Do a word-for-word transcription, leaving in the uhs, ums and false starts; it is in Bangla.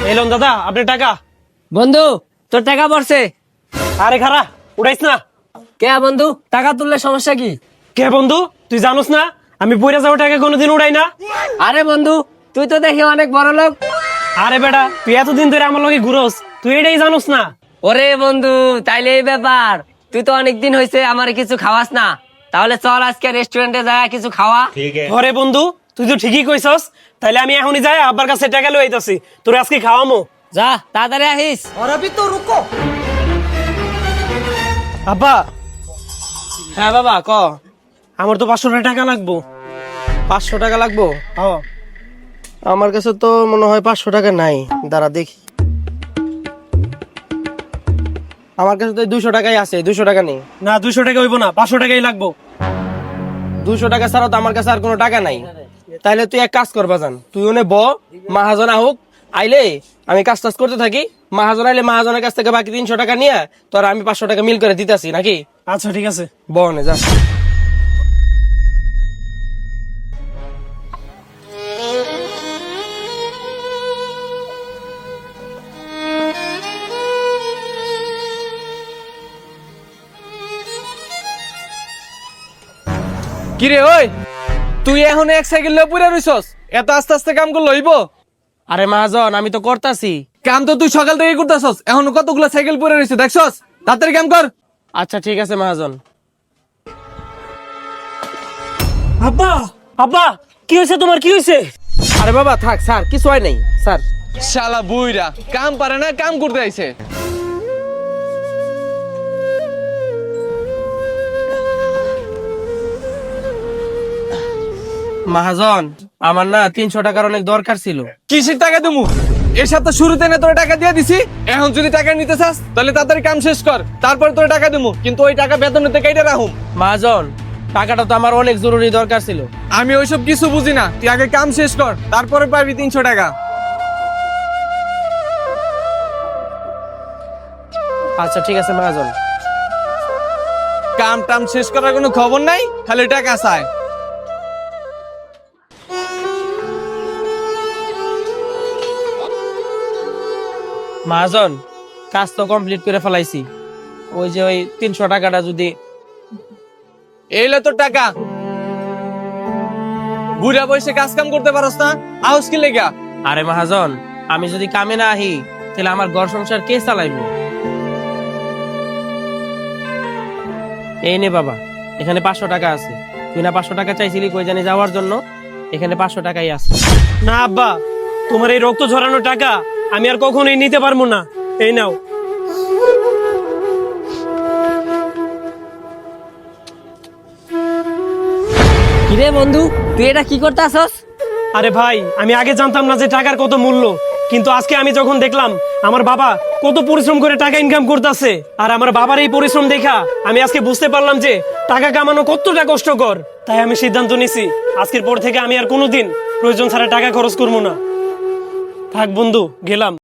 এলন দাদা আপনার টাকা। বন্ধু তোর টাকা পড়ছে। আরে খারা উড়াইস না। কে বন্ধু টাকা তুললে সমস্যা কি? কে বন্ধু তুই জানোস না আমি পয়রা যাওয়া টাকা কোনোদিন উড়াই না। আরে বন্ধু তুই তো দেখি অনেক বড় লোক। আরে বেটা তুই এতদিন ধরে আমার লগে ঘুরোস, তুই এটাই জানোস না। ওরে বন্ধু তাইলে এই ব্যাপার, তুই তো অনেকদিন হয়েছে আমার কিছু খাওয়াস না, তাহলে চল আজকে রেস্টুরেন্টে যায় কিছু খাওয়া। ঘরে বন্ধু তুই তো ঠিকই কইছস, তাইলে আমি এখনই যাই আব্বার কাছে টাকা লই আইতাছি, তোর আজকে খাওয়ামো। যা তাড়াতাড়ি আহিস। আব্বা হ্যাঁ বাবা ক। আমার তো পাঁচশো টাকা লাগবো। পাঁচশো টাকা লাগবো? হ্যাঁ আমার কাছে তো মনে হয় পাঁচশো টাকা নাই, দাঁড়া দেখি। আমার কাছে তো দুইশো টাকাই আছে, দুইশো টাকা নেই। না দুইশো টাকা হইব না, পাঁচশো টাকাই লাগবো। দুইশো টাকা ছাড়া তো আমার কাছে আর কোনো টাকা নাই। তাইলে তুই এক কাজ করবা জান, তুই ওনে ব, মাহাজন আহুক, আইলে আমি কাজ টাজ করতে থাকি, মাহাজন আইলে মাহাজনের কাছ থেকে বাকি তিনশো টাকা নিয়ে তোর আমি পাঁচশো টাকা মিল করে দিতেছি নাকি? আচ্ছা ঠিক আছে। বনে যা। কিরে ওই তুই এখন এক সাইকেল লয়ে পুরা রইছস, এত আস্তে আস্তে কাম করলে হইব? আরে মাহাজন আমি তো করতাছি। কাম তো তুই সকাল থেকে করতেছস, এখন কতগুলো সাইকেল পুরা রইছে দেখছস? তাড়াতাড়ি কাম কর। আচ্ছা ঠিক আছে মাহাজন। আব্বা আব্বা কি হয়েছে তোমার, কি হয়েছে? আরে বাবা থাক স্যার, কিছু হয় নাই স্যার। শালা বুইরা কাম পারে না, কাম করতে আইছে। মাহাজন আমার না তিনশো টাকার অনেক দরকার ছিল। কিসের টাকা দিমু? এর সাথে শুরুতে না তোর টাকা দিয়ে দিছি, এখন যদি টাকা নিতে চাস তাহলে তাড়াতাড়ি কাম শেষ কর, তারপর তোর টাকা দিমু, কিন্তু ওই টাকা বেতনেতে কেটে রাখুম। মাহাজন টাকাটা তো আমার অনেক জরুরি দরকার ছিল। আমি ওইসব কিছু বুঝি না, তুই আগে কাম শেষ কর, তারপরে পাবি তিনশো টাকা। আচ্ছা ঠিক আছে মাহাজন। কাম টাম শেষ করার কোনো খবর নাই, খালি টাকা চায়। মাহাজন কাজ তো কমপ্লিট করে ফেলাইছি, ওই যে ওই তিনশো টাকাটা যদি। এইলে তোর টাকা। বুড়া বয়সে কাজ কাম করতে পারস না, আউস কি লেগা? আরে মাহাজন আমি যদি কামে না আহি তাহলে আমার ঘর সংসার কে চালাইবো? এই নে বাবা, এখানে পাঁচশো টাকা আছে। তুই না পাঁচশো টাকা চাইছিলি কই জানি যাওয়ার জন্য, এখানে পাঁচশো টাকাই আছে। না আব্বা তোমার এই রক্ত ঝরানো টাকা আমি আর কখনোই নিতে পারবো না, এই নাও। কিরে বন্ধু তুই এটা কি করতে আসস? আরে ভাই আমি আগে জানতাম না যে টাকার কত মূল্য, কিন্তু আজকে আমি যখন দেখলাম আমার বাবা কত পরিশ্রম করে টাকা ইনকাম করতেছে, আর আমার বাবার এই পরিশ্রম দেখা আমি আজকে বুঝতে পারলাম যে টাকা কামানো কতটা কষ্টকর। তাই আমি সিদ্ধান্ত নিছি আজকের পর থেকে আমি আর কোনোদিন প্রয়োজন ছাড়া টাকা খরচ করবো না। থাক বন্ধু গেলাম।